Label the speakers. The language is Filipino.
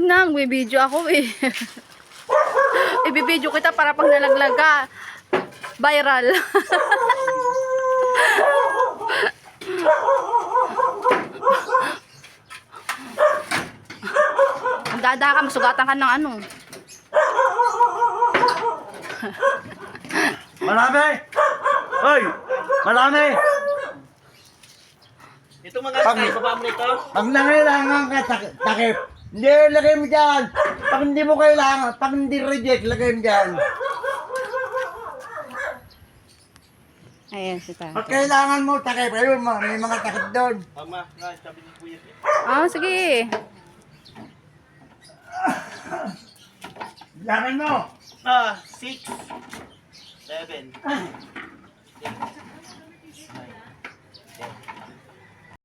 Speaker 1: na, magbibideo ako eh. Ibibideo kita para pag nalaglag ka, viral. Ang dada ka, masugatan ka ng ano.
Speaker 2: Marami! Hoy! Marami!
Speaker 3: Ito mga guys, baba mo nito.
Speaker 2: Pag nangailangan ka, takip. Hindi, lagay mo dyan. Pag hindi mo kailangan, pag hindi reject, lagay mo dyan.
Speaker 1: Ayan si Tatay.
Speaker 2: Pag kailangan mo, takip. Ayun, may mga takip doon.
Speaker 3: Tama, sabi ni Kuya.
Speaker 1: Ah, sige.
Speaker 2: Lakan mo.
Speaker 3: 6, 7, 8, 9, 10.